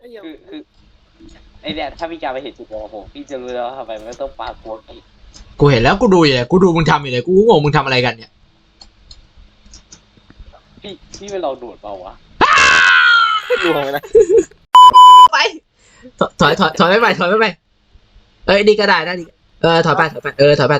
คือไอเนี่ยถ้าพี่จาไปเห็นจุดมองผมพี่จะรู้แล้วทำไมมันต้องปากัวกิกูเห็นแล้วกูดูอยู่เลยกูดูมึงทำอยู่เลยกูงงมึงทำอะไรกันเนี่ยพี่ไปลองดูดเปล่าวะดูไปนะไปถอยไม่ไปเอ้ยดีก็ได้นะดีถอยไปถอยไปถอยไป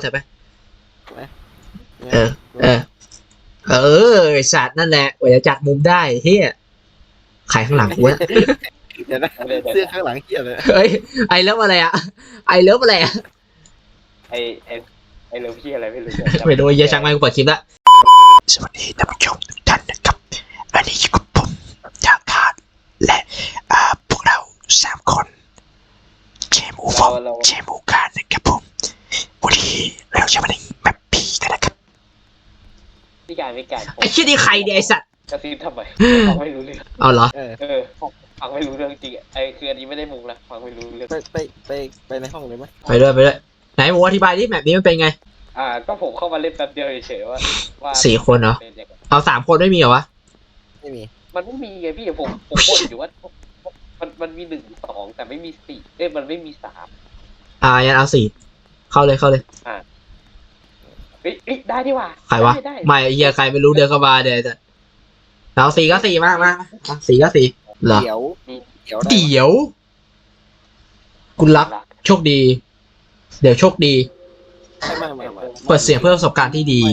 สัตว์นั่นแหละว่าจะจัดมุมได้เฮียใครข้างหลังกูนะเดี๋ยวนะเสื้อข้างหลังเหี้ยเลยเฮ้ยไอเลิฟอะไรอะไอเลิฟอะไรอะไอเรื่องพี่อะไรไม่รู้ไปดูเยอะช่างไม่กูเปิดคลิปละสวัสดีท่านผู้ชมทุกท่านนะครับอันนี้อยู่กับผมดาคาร์ดและพวกเรา3 คนเจมูฟองเจมูการนะครับผมวันนี้เราจะมาเล่นแบบผีกันนะครับพี่การไอ้เชี่ยนี่ใครเนี่ยไอสัตว์กระซิบทำไมฟังไม่รู้เรื่องเอาเหรอฟังไม่รู้เรื่องจริงไอคืออันนี้ไม่ได้มุงนะฟังไม่รู้เรื่องไปในห้องเลยไหมไปด้วยไหนหมูอธิบายดิแบบนี้มันเป็นไงก็ผมเข้ามาเล่นแป๊บเดียวเฉยๆว่า 4 คนเหรอเอา3 คนไม่มีเหรอวะไม่มีมันไม่มีไงพี่ผมบ่นอยู่ว่ามันมี1 2แต่ไม่มี4มันไม่มี3 ยันเอา4เข้าเลยได้ดีว่ะใครวะไม่เฮียใครไม่รู้เดินเข้ามาเดี๋ยวเอา4ก็4มา4ก็4เหรอเดี๋ยวคุณรับโชคดีเดี๋ยวโชคดีเปิดเสียงเพื่อประสบการณ์ที่ดี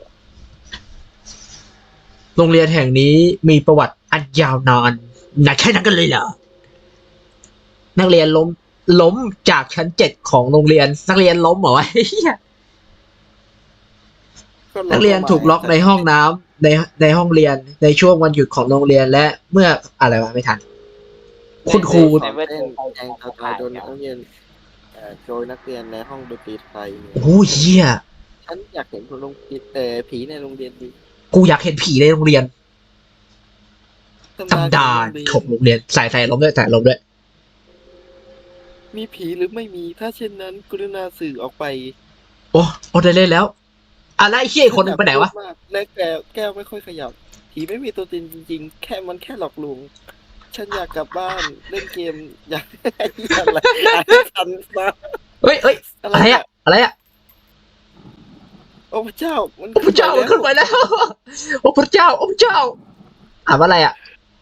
โรงเรียนแห่งนี้มีประวัติอันยาวนานนะแค่นั้นกันเลยเหรอนักเรียนล้มจากชั้น7ของโรงเรียนนักเรียนล้มเหรอวะนักเรียนถูกล็อกในห้องน้ำในห้องเรียนในช่วงวันหยุดของโรงเรียนและเมื่ออะไรวะไม่ทันคุณครูแจ้งตายโดนนักเรียนโดยนักเรียนในห้องดนตรีไทยโอ้เหี้ยฉันอยากเห็นคนผีในโรงเรียนดีกูอยากเห็นผีในโรงเรียนตำดาของโรงเรียนใส่ลมด้วยมีผีหรือไม่มีถ้าเช่นนั้นกรุณาสื่อออกไปโอ้ได้เล่นแล้วแล้วไอ้เหี้ยคนนึงไปไหนวะและแก้วไม่ค่อยขยับผีไม่มีตัวตนจริงๆแค่มันแค่หลอกลวงฉันอยากกลับบ้านเล่นเกมอยากอะไรทันมาเฮ้ยอะไรอะโอ้พระเจ้ามันพระเจ้ามันขึ้นไปแล้วโอ้พระเจ้าอ่านว่าอะไรอะ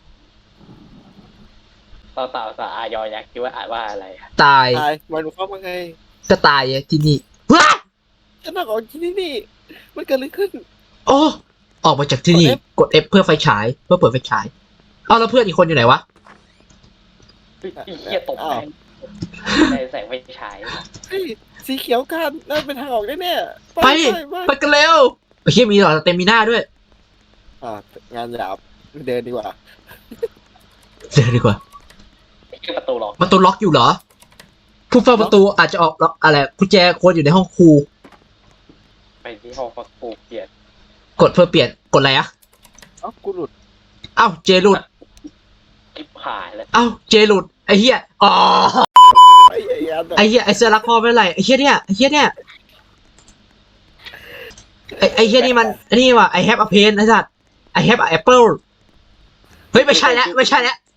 สาวอยอยักษ์คิดว่าอ่านว่าอะไรตายมันเข้ามาไงก็ตายที่นี่ว้าฉันออกที่นี่มันเกิดอะไรขึ้นโอ้ออกมาจากที่นี่กด F เพื่อไฟฉายเพื่อเปิดไฟฉายแล้วเพื่อนอีกคนอยู่ไหนวะเหี้ยตกในแสงไฟฉายสีเขียวกันนั่นเป็นทางออกแน่ๆไปกันเร็วไอ้เหี้ยมีหลอดเต็มมีหน้าด้วยงานหยาบเดินดีกว่าประตูล็อกอยู่เหรอผู้เฝ้าประตูอาจจะออกล็อกอะไรกุญแจควรอยู่ในห้องครูไปที่ห้องครูเปลี่ยนกดเพื่อเปลี่ยนกดอะไรกูหลุดเจหลุดกิ๊บหายแล้วเจหลุดไอ้เหี้ยไอ้เหี้ยไอ้เสื้อรักพ่อไม่ไรไอ้เหี้ยเนี่ยไอ้เหี้ยนี่มันนี่ว่ะ I have a pen ไอ้สัตว์ I have an apple เฮ้ยไม่ใช่แล้วพูดไม่ใช่แล้ว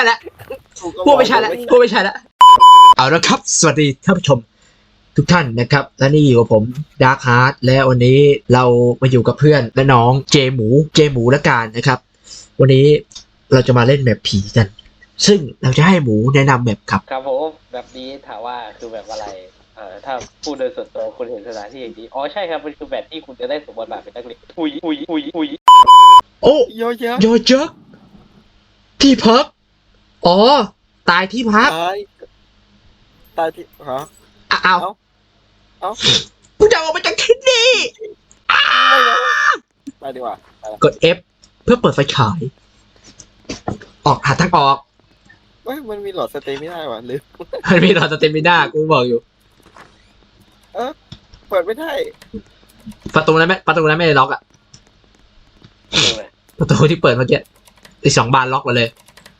เอาละครับสวัสดีท่านผู้ชมทุกท่านนะครับและนี่อยู่กับผมดาร์คฮาร์ดและวันนี้เรามาอยู่กับเพื่อนและน้องเจหมูและการนะครับวันนี้เราจะมาเล่นแมปผีกันซึ่งเราจะให้หมูแนะนำแมปครับผมแบบนี้ถามว่าคือแบบอะไรถ้าพูดโดยส่วนตัวคุณเห็นสถานที่อย่างนี้ใช่ครับมันคือแบบที่คุณจะได้สมบทบาทเป็นนักเรียนอุยโอ้ยอยักษ์ที่พักตายที่พักตายที่เอากูจะออกมาจากที่นี่ไปดีกว่ากด F เพื่อเปิดไฟฉายหาทางออกมันมีหลอดสเตมิน่าว่ะลืมมันมีหลอดสเตมิน่ากูบอกอยู่เปิดไม่ได้ประตูนั้นไม่ได้ล็อกประตูที่เปิดเมื่อกี้อีก2 บานล็อกมาเลย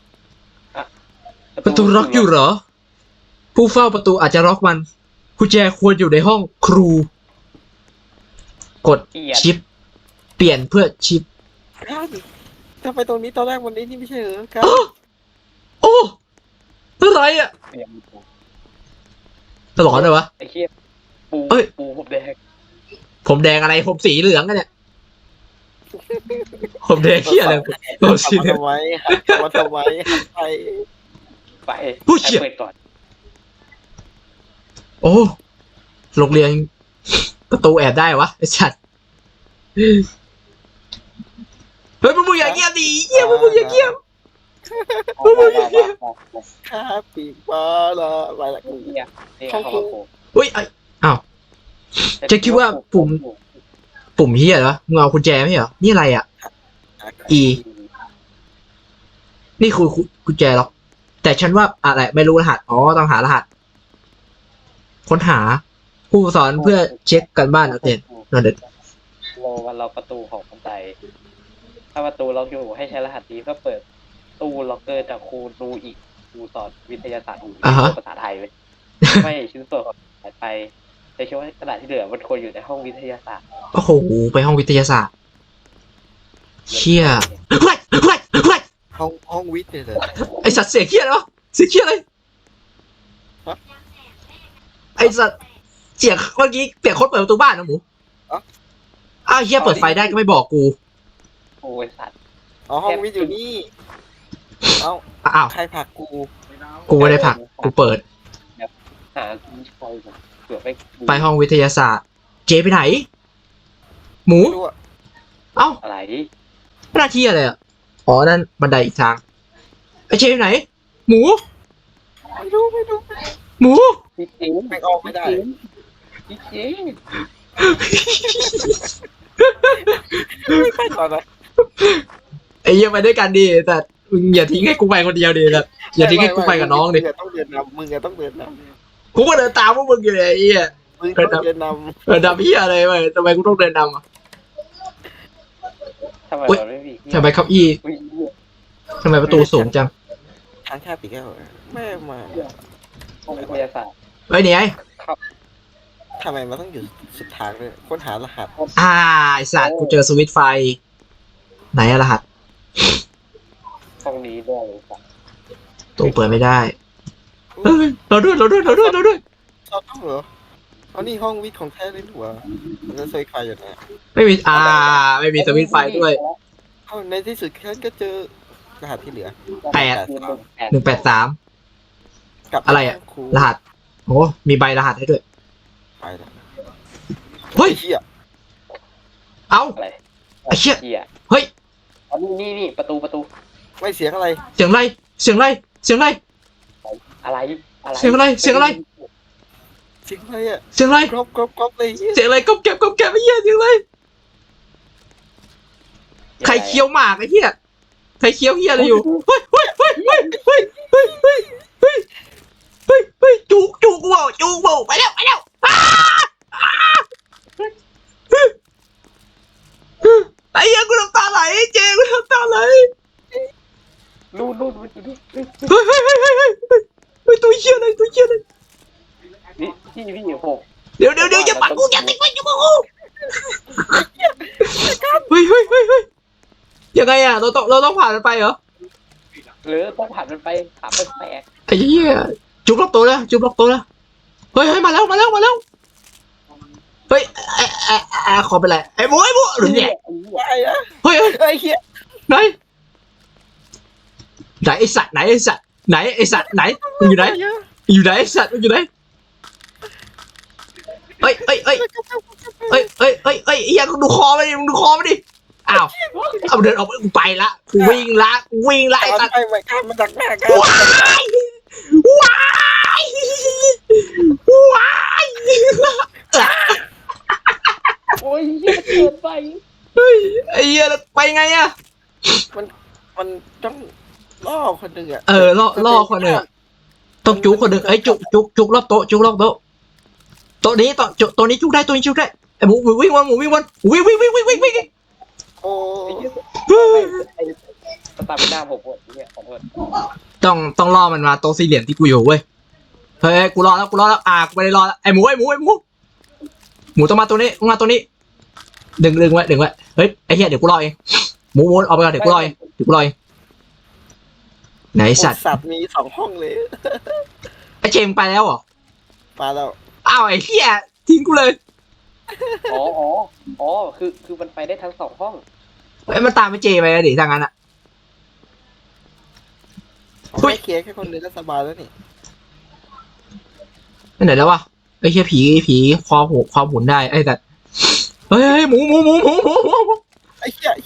ประตูล็อกอยู่เหรอผู้เฝ้าประตูอาจจะล็อกมันกุญแจควรอยู่ในห้องครูกดชิปเปลี่ยนเพื่อชิปถ้าไปตรงนี้ตอนแรกวันนี้นี่ไม่ใช่เหรอครับอะไรอ่ะเตรียมปูตลอดเลยวะไอ้เหี้ยปูเอ้ยปูผมแดงผมแดงอะไรผมสีเหลืองกันเนี่ยผมแดงเหี้ยอะไรผมสีเหลืองทำไมมาทำไมหันไปไปผู้เชี่ยเปิดก่อนโอ้โรงเรียนประตูแอบได้วะไอ้ชัดเฮ้ยมึงอย่าเงียบดิเงียบมึงอย่าเงียบข้าปีกปลาละไปละกูเนี่ยนี่เขามาโผล่เฮ้ยไอ้อ้าว จะคิดว่าปุ่มเฮียเหรอมึงเอากุญแจไม่เหรอนี่อะไรอ่ะ E นี่คือกุญแจหรอกแต่ฉันว่าอะไรไม่รู้รหัสอ๋อต้องหารหัส ค้นหาผู้สอนเพื่อเช็คกันบ้านนักเรียนนั่นเด็ดเราประตูของบันไดถ้าประตูล็อกอยู่ให้ใช้รหัสนี้เพื่อเปิดตู้ล็อกเกอร์จากครูดูอีกครูสอนวิทยาศาสตร์ภาษาไทยไว้ไม่ชิ้นส่วนของหายไปแต่คิดว่ากระดาษที่เหลือมันควรอยู่ในห้องวิทยาศาสตร์โอ้โหไปห้องวิทยาศาสตร์เชี่ยเฮ้ยเฮ้ยเฮ้ยห้องวิทย์เนี่ยเหรอไอสัตว์เสียงเชี่ยเหรอเสียงเชี่ยเลยไอสัตว์เสียงเมื่อกี้เสียงคนเปิดประตูบ้านนะหมูอ้าวเฮียเปิดไฟได้ก็ไม่บอกกูโอ้ยสัตว์อ๋อห้องวิทย์อยู่นี่เอ้าอ้าวใครผลักกูกูไม่ได้ผลักกูเปิดหาที่คอยเผื่อไปไปห้องวิทยาศาสตร์ เจไปไหน หมูไม่รู้อะเอ้าอะไรหน้าที่อะไรอ่ะอ๋อนั่นบันไดอีกทางไอเจไปไหน หมูไม่รู้หมูจริงแม่งออกไม่ได้จริงไม่ไปก่อนนะไอ้เหี้ยไปด้วยกันดิแต่มึงอย่าทิ้งให้กูไปคนเดียวดิแต่อย่าทิ้งให้กูไปกับน้องดิมึงต้องเดินนำมึงต้องเดินนกูก็เดินตามพวกมึงอยู่เลยไอ้เหี้ยำมึงต้องเดินนเดินดำเหี้ยอะไรไปทำไมกูต้องเดินดำอ่ะทำไมอุ๊ยมันไม่มีทำไมเก้าอี้อุ๊ยทำไมประตูสูงจังำทางข้าปีกแก้วแม่มาห้องวิทยาศาสตร์เฮ้ยเนี่ยไอ้ทำไมมันต้องอยู่สุดทางเลยค้นหารหัสไอสัตว์กูเจอสวิตช์ไฟ ไหนอะรหัสห้องนี้ด้วยเลยสัตว์ตู้เปิดไม่ได้เฮ้ยเราด้วยชอบต้องเหรอเอานี่ห้องวิทย์ของแท้เลยหัวมันจะใส่ใครอยู่นะไม่มีไม่มีสวิตช์ไฟด้วยเอาในที่สุดฉันก็เจอรหัสที่เหลือ 183 กับอะไรอะครูรหัสโอ้มีใบรหัสให้ด้วยไปแล้วเฮ้ยเฮียเอ้าอะไรไอ้เหี้ยเหี้ยเฮ้ยอ๋อนี่ประตูไม่เสียงอะไรเสียงอะไรเสียงอะไรเสียงอะไรอะไรอะไรเสียงอะไรเสียงอะไรเสียงอะไรอ่ะเสียงอะไรกรอบเลยเหี้ยเสียงอะไรก๊อบแก๊บไอ้เหี้ยเสียงอะไรใครเคี้ยวหมากไอ้เหี้ยใครเคี้ยวเหี้ยอะไรอยู่เฮ้ยจุกกูบอกไปแล้วไอ้เหี้ยกูน้ำตาไหลเจกูน้ำตาไหลนู่นมันอยู่นี่เฮ้ยตัวเหี้ยอะไรนี่พี่ผมเดี๋ยวอย่าปัดกูอย่าติดไว้อย่าปัดกูเฮ้ยยังไงอ่ะเราต้องผ่านมันไปเหรอหรือต้องผ่านมันไปผ่านแปลกไอ้เหี้ยจุกล็อกตัวแล้วเฮ้ยมาแล้วเฮ้ยขอเป็นไรไอ้หมูหรือเนี่ยอะไรอะเฮ้ยไอ้เฮียไหนไอ้สัตว์ไหนไอ้สัตว์ไหนมึงอยู่ไหนไอ้สัตว์มึงอยู่ไหนเฮ้ยไอ้เหี้ยดูคอมาดิมึงดูคอมาดิอ้าวเอาเดินออกไปกูไปละกูวิ่งละไอ้สัตว์ไอ้ไม่ข้ามมาจากหน้ากันว้ายโอ้ยเหี้ยเกินไปเฮ้ยไอ้เหี้ยไปไงอะมันต้องล่อคนหนึ่งอะล่อคนหนึ่งต้องจุกคนหนึ่งไอ้จุกรอบโต๊ะโต๊ะนี้ตัวนี้จุกได้ไอ้หมูวิ่งวันวิ่งโอ้สตาร์เป็นหน้าผมหมดเนี่ยขอโทษต้องล่อมันมาโต๊ะสี่เหลี่ยมที่กูอยู่เว้ยเฮ้ยกูรอแล้วกูไม่ได้รอแล้วไอ้หมูต้องมาตัวนี้ดึงไว้เฮ้ยไอ้เหี้ยเดี๋ยวกูรอเองหมูออกไปก่อนเดี๋ยวกูรอเองไหนสัตว์สัตว์มี2 ห้องเลยไอ้เจมส์ไปแล้วเหรอมาแล้วอ้าวไอ้เหี้ยทิ้งกูเลยอ๋อคือมันไปได้ทั้งสองห้องไอ้ยมันตามไปเจไปอะดิถ้างั้นอะผมไม่เคลียร์แค่คนเดียวก็สบายแล้วนี่ไปไหนแล้ววะไอ้เหี้ยผีความหมุนได้ไอ้สัตว์เฮ้ยหมูไอ้เชี่ย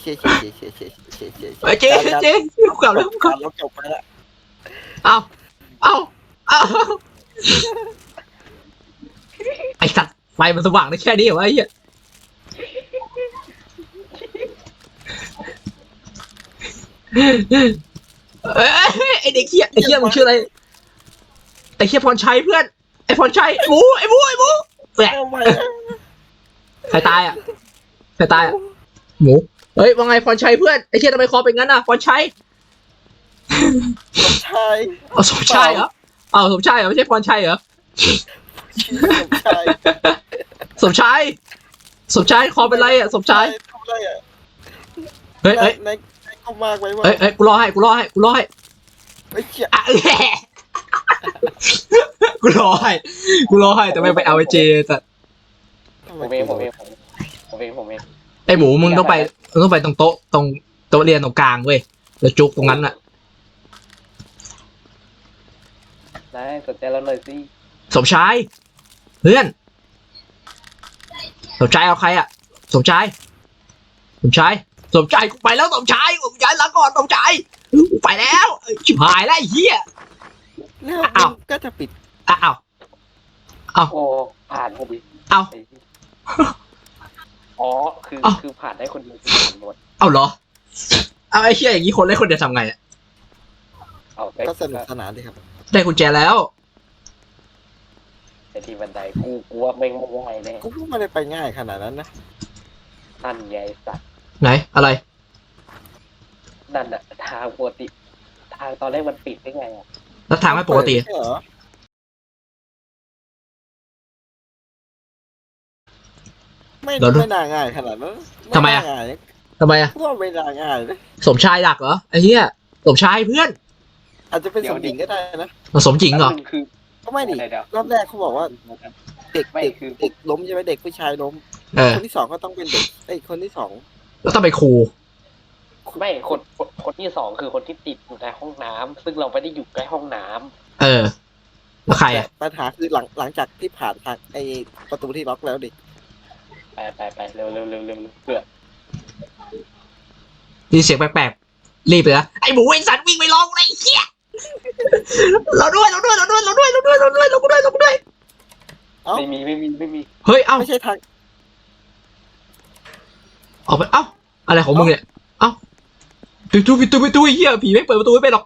ไอ้เจกูกลับแล้วกูกลับเราจบไปแล้วเอาไอ้สัตว์ไฟมันสว่างได้แค่นี้เหรอวะไอ้เหี้ยเอ้ยไอ้เด็กเหี้ยมึงชื่ออะไรไอ้เหี้ยพรชัยเพื่อนไอ้พรชัยหมูแหวะเอาไปใครตายอ่ะหมูเฮ้ยว่าไงพรชัยเพื่อนไอ้เหี้ยทำไมคอเป็นงั้นอ่ะพรชัยชายเอาสมชายเหรอเอาสมชายเหรอไม่ใช่พรชัยเหรอชายสมชายคอเป็นไรอ่ะสมชายทำไรอ่ะเฮ้ยในเข้ามากไปว่าเฮ้ยกูรอให้ไอ้เชี่ยอ่ะกูรอให้แต่ไม่ไปเอาไอ้เจแต่ผมเองไอ้หมูมึงต้องไปตรงโต๊ะเรียนตรงกลางเว้ยแล้วจุกตรงนั้นอ่ะได้สนใจเราหน่อยสิสมชายเพื่อนสมชายเอาใครอ่ะสมชายกูไปแล้วสมชายกูย้ายหลังก่อนสมชายกูไปแล้วชิบหายแล้วไอ้เหี้ยแล้วก็จะปิดอ้าวโอ้ผ่านพอดีเอาอ๋อคือผ่านได้คนเดียวคือผ่านหมดเอาเหรอเอาไอ้เหี้ยอย่างนี้คนเล่นคนเดียวทำไงอ่ะเอาไปก็สนุกสนานดีครับได้กุญแจแล้วไอ้ที่บันไดกูกลัวไม่ไหวเลยกูไม่ได้ไปง่ายขนาดนั้นนะนั่นไงสัตว์ไหนอะไรนั่นอะทางปกติทางตอนแรกมันปิดได้ไงอะแล้วทางไม่ปกติเหรอไม่น่าง่ายขนาดนั้นทำไมอะง่ายทำไมอ่ะพวกไม่น่าง่ายเลยสมชายดักเหรอไอ้เหี้ยสมชายเพื่อนอาจจะเป็นสมหญิงก็ได้นะสมจริงเหรอคือก็ไม่ดิเดี๋ยวรอบแรกเขาบอกว่าเด็กไม่เด็กคือเด็กล้มใช่ไหมเด็กผู้ชายล้มเออคนที่สองก็ต้องเป็นเด็กคนที่สองแล้วต้องไปครูไม่คนที่สองคือคนที่ติดอยู่ในห้องน้ำซึ่งเราไม่ได้อยู่ใกล้ห้องน้ำเออแล้วใครอ่ะปัญหาคือหลังจากที่ผ่านทางไอประตูที่ล็อกแล้วดิไปเร็วเพื่อมีเสียงแปลกๆรีบเลยนะไอ้หมูไอ้สัตว์วิ่งไปลองไอ้เหี้ยเราด้วยไม่มีเฮ้ยเอ้าไม่ใช่ทางออกไปเอ้าอะไรของมึงเนี่ยเอ้าปิดตู้ไอ้เหี้ยผีไม่เปิดประตูไม่เป็นหรอก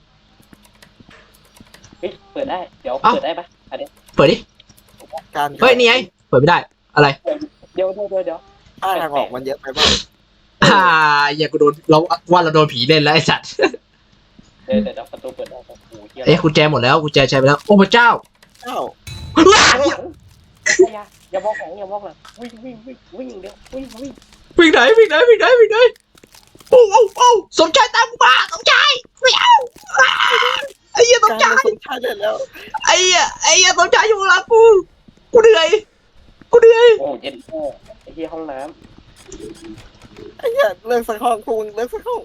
เฮ้ยเปิดได้เดี๋ยวเปิดได้ปะอันนี้เปิดดิการเฮ้ยนี่ไงเปิดไม่ได้อะไรเดี๋ยวถ้าทางออกมันเยอะไปบ้างอย่ากูโดนเราว่าเราโดนผีเล่นแล้วไอ้สัตว์เดี๋ยวประตูเปิดได้โอ้โหเฮียเอ้ยกุญแจหมดแล้วกุญแจใช้ไปแล้วโอ้พระเจ้าอ้าวอย่ามองหลังวิ่งเดี๋ยววิ่งวิ่งไหนโอ้สมชายตามกูมาสมชายไม่เอาไอ้เหี้ยสมการชายสนชาติได้แล้วไอ้เหี้ยสมชายอยู่ข้างหลังกูเหนื่อยโอ้เย็นไอ้เฮียห้องน้ไอ้เหี้ยเลิกสักห้องพวกมึงเลิกสักห้อง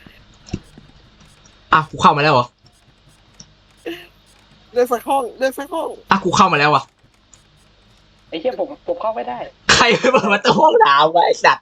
อ่ะกูเข้ามาแล้วเหรอเลิกสักห้องอ่ะกูเข้ามาแล้วอ่ะำไอ้เฮียผมเข้าไม่ได้ใครไปเปิดประตูห้องน้ำวะไอ้สัตว์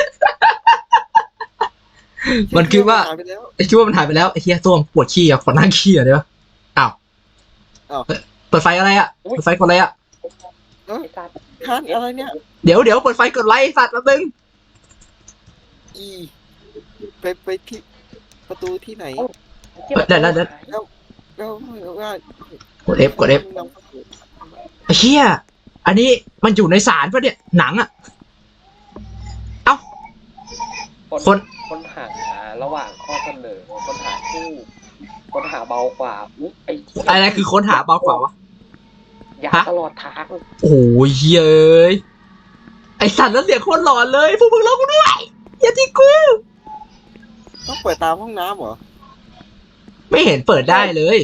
มันคิดว่าหยไปแล้วไอ้คิดว่ามันหายไปแล้วไอ้เหี้ยตัวปวดขี้อ่ะขอนั่งขี้อ่ะได้ปะอ้าวเปิดไฟอะไรอ่ะเปิดไฟกดอะไรอ่ะไอ้สัตว์คันอะไรเนี่ยเดี๋ยวเปิดไฟกดไลค์สัตว์แป๊บนึงอีไปที่ประตูที่ไหนแล้วว่ากด F ไอ้เหี้ยอันนี้มันอยู่ในศาลปะเนี่ยหนังอ่ะเอ้าคนคนหาระหว่างข้อเสนอคนหาคู่คนหาเบากว่าไอ้อะไรคือค้นหาเบากว่าวะยาตลอดทางโอ้ยเย้ยไอสัตว์แล้วเสียงโคตรหลอนเลยพวกมึงร้องกูด้วยอย่าทิ้งกูต้องเปิดตามห้องน้ำเหรอไม่เห็นเปิดได้เลย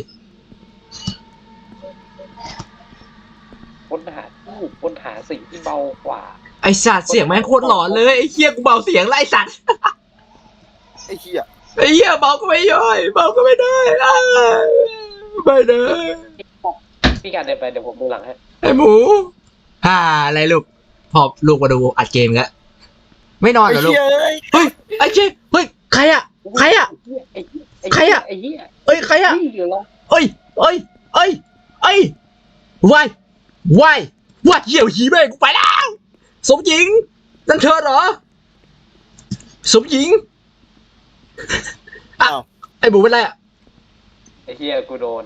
ค้นหาทูบค้นหาสิ่งที่เบากว่าไอสัตว์เสียงแม่งโคตรหลอนเลยไอเหี้ยกูเบาเสียงไล่สัตว์ไอ้เหี้ยไอเหี้ยเบาก็ไม่ย่อยเบาก็ไม่ได้อ้ายไม่ได้พี่การเดินไปเดี๋ยวผมดูหลังให้ไอหมูอะไรลูกพอลูกมาดูอัดเกมกันไม่นอนเหรอลูกไอ้เหี้ยเอ้ยเฮ้ยไอเจเฮ้ยใครอะใครอะไอ้เหี้ยใครอะไอ้เหี้ยเอ้ยใครอะพี่อยู่หรอเอ้ยวายวายเหี้ยวหีแม่งกูไปแล้วสมหญิงนั่นเธอเหรอสมหญิงอ้าวไอหมูเป็นไรอะไอ้เหี้ยกูโดน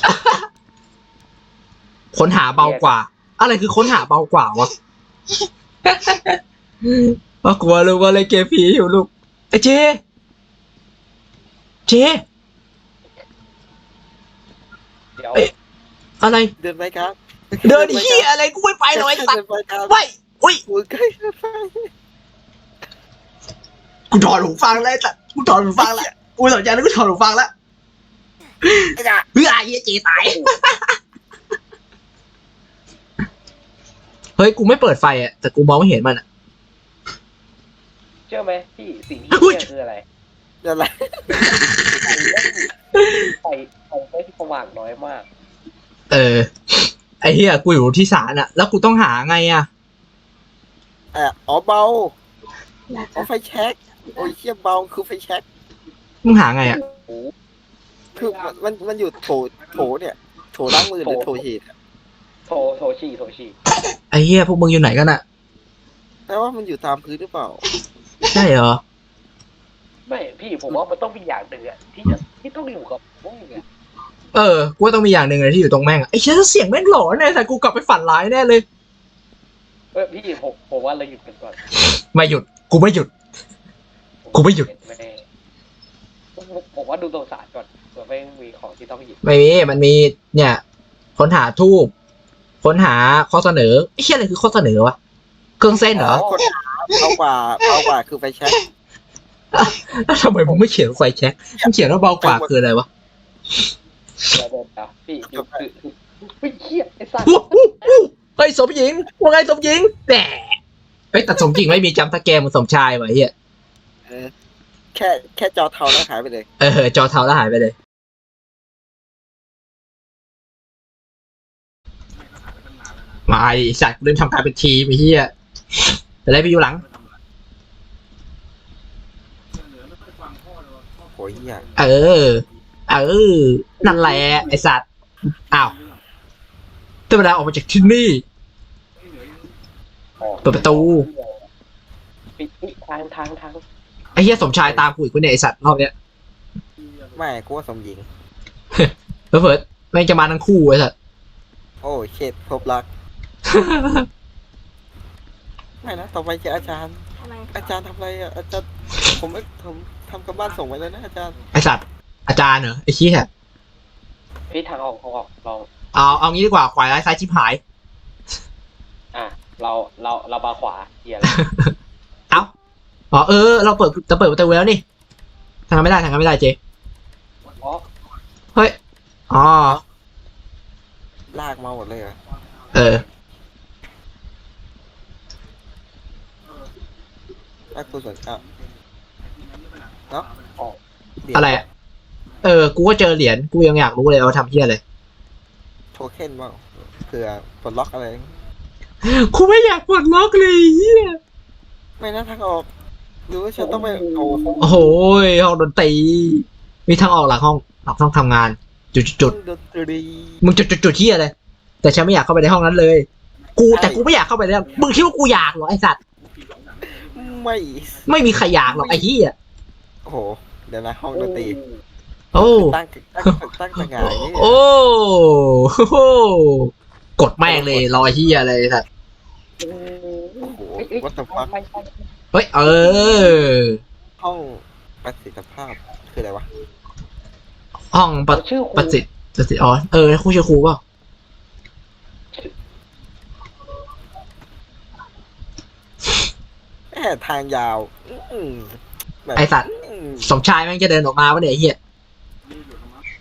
ค้นหาเบากว่า อะไรคือค้นหาเบากว่าวะ ว่ากลัวลูกว่าอะไรเกมผีอยู่ลูกไอเจเดี๋ยวเอ้ย อะไรเดินไปครับเดินเฮียอะไรกูไม่ไปหรอกไอ้สัตเดิว์นไปครับไปอุ้ยกูใกล้จะไปกูถอดหูฟังแล้วไอ้สัตว์กูถอดหูฟังแล้วกูสนใจแล้วกูถอดหูฟังแล้วไอ้จ่าเฮ้ยไอ้เหี้ยเจตายเฮ้ยกูไม่เปิดไฟอ่ะแต่กูมองไม่เห็นมันอ่ะเชื่อไหมพี่สิ่งที่อุ๊ยเชื่อคืออะไรอะไรไฟไม่สว่างน้อยมากไอ้เหี้ยกูอยู่ที่ศาลอ่ะแล้วกูต้องหาไงอ่ะอ๋อเบาเอาไฟแช็กโอ้ยเหี้ยเบาคือไฟแช็กมึงหาไงอ่ะคือมันอยู่โถเนี่ยโถล้างมือหรือโถหีดอะโทชีไอ้เหี้ยพวกมึงอยู่ไหนกันอ่ะแต่ว่ามันอยู่ตามพื้นหรือเปล่าใช่เหรอไม่พี่ผมว่ามันต้องมีอย่างหนึ่งอะที่ต้องอยู่กับพวกมึงอะกูว่าต้องมีอย่างหนึ่งเลยที่อยู่ตรงแม่งอ่ะไอ้เชี่ยเสียงแม่งหลอนแน่แต่กูกลับไปฝันร้ายแน่เลยพี่ผมว่าเราหยุดกันก่อนไม่หยุดกูไม่หยุด กูไม่หยุดไม่ได้ผมว่าดูตัวสารก่อนเผื่อไม่มีของที่ต้องหยิบไม่มีมันมีเนี่ยค้นหาทูบค้นหาข้อเสนอไอ้เชี่ยอะไรคือข้อเสนอวะเครื่องเส้นเหรอคนเบากว่าคือไฟแช็กแล้วทำไมมึงไม่เขียนไฟแช็กมึงเขียนว่าเบากว่าคืออะไรวะเดี๋ยวพี่คือเครียดไอ้สัสเฮ้ยสมหญิงว่าไงสมหญิงแต่เฮ้ยแต่สมหญิงไม่มีจำตะแกรงเหมันสมชายว่ะเฮียแค่จอเทาแล้วหายไปเลยจอเทาแล้วหายไปเลยมาไอ้สัตว์เริ่มทำการเป็นทีมไอ้เฮียแต่ได้ไปอยู่หลังโอ้ยเหี้ยนั่นแหละไอ้สัตว์อ้าวได้เวลาออกมาจากที่นี่ เปิดประตูปิดทางไอ้เหี้ยสมชายตามกูอีกคนเนี่ยไอ้สัตว์รอบเนี้ยไม่กูว่าสมหญิงเพิ่ดแม่งจะมาทั้งคู่ไอ้สัตว์โอ้เช็ดพบรัก ไม่นะต่อไปจะอาจารย์ทำอะไรอ่ะอาจารย์ผมทำกับบ้านส่งไว้แล้วนะอาจารย์ไอ้สัตว์อาจารย์เหรอไอ้ชี้แฮะพี่ทางออกลองเอางี้ดีกว่าขวาร้ายซ้ายชิบหายเรามาขวาเกียร์เอาเราเปิดประตูแล้วนี่ทางกันไม่ได้เจอ๋อเฮ้ยอ๋อลากมาหมดเลยเหรอ ลากตัวส่วนเนาะอะไรอ่ะกูก็เจอเหรียญกูยังอยากรู้เลยเอาทำเพี้ยอะไรโทเค็นบ้างเผื่อปลดล็อกอะไรกูไม่อยากปลดล็อกเลยเฮียไม่นะทางออกหรือว่าฉันต้องไปโอ้โอ้โหห้องดนตรีมีทางออกหลังห้องทำงานจุดดนตรีมึงจุดที่อะไรแต่ฉันไม่อยากเข้าไปในห้องนั้นเลยแต่กูไม่อยากเข้าไปเลยมึงคิดว่ากูอยากเหรอไอสัตว์ ไม่มีใครอยากหรอกไอ้เหี้ยโอ้โหเดี๋ยวนะห้องดนตรีโอ้ตั้งต่างงานอย่างนี้โอ้โหกดแม่งเลยรอเหี้ยอะไรสัตว์โอ้โหวัตถุฟักเฮ้ยห้องประสิทธิภาพคืออะไรวะห้องประสิทธิ์อ๋อครูชื่อครูเปล่าทางยาวแบบไอสัตว์สมชายแม่งจะเดินออกมาวะเนี่ยไอ้เหี้ย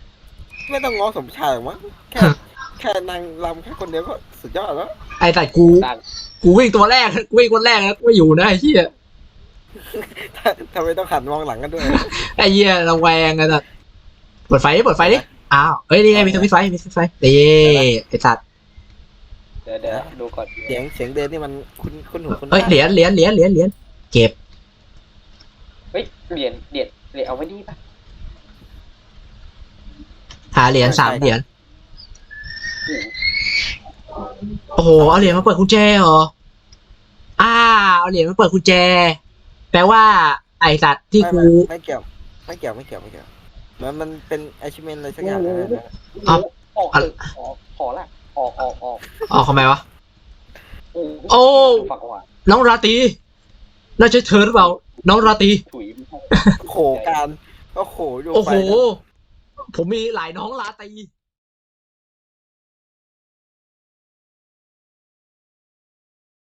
ไม่ต้องง้อสมชายหรอกมั้งแค่นางรำแค่คนเดียวก็สุดยอดแล้วไอ้แต่กูดังกูวิ่งตัวแรกกูวิ่งคนแรกนะกูไม่อยู่นะไอ้เหี้ยทำไมต้องหันมองหลังกันด้วยไอ้เหี้ยระแวงอะสัตว์เปิดไฟดิอ้าวเอ้ยนี่ไงมีสวิตช์ไฟนี่ไอ้สัตว์เดี๋ยวดูก่อนเสียงเดินนี่มันคุ้นหูคุ้นเอ้ยเหรียญเก็บเฮ้ยเหรียญเอาไว้นี่ปะหาเหรียญ3 เหรียญโอ้โหโอ้โหเอาเหรียญมาเปิดกุญแจเหรอเอาเหรียญมาเปิดกุญแจแปลว่าไอ้สัตว์ที่กูไม่เกี่ยวมันเป็น achievement อะไรสักอย่างนะเอาออกขอละออกทำไมวะโอ้ฝักหวานน้องราตรีน่าจะเธอหรือเปล่าน้องราตรีถุยโขการก็โขอยู่โอ้โหไปนะผมมีหลายน้องราตรี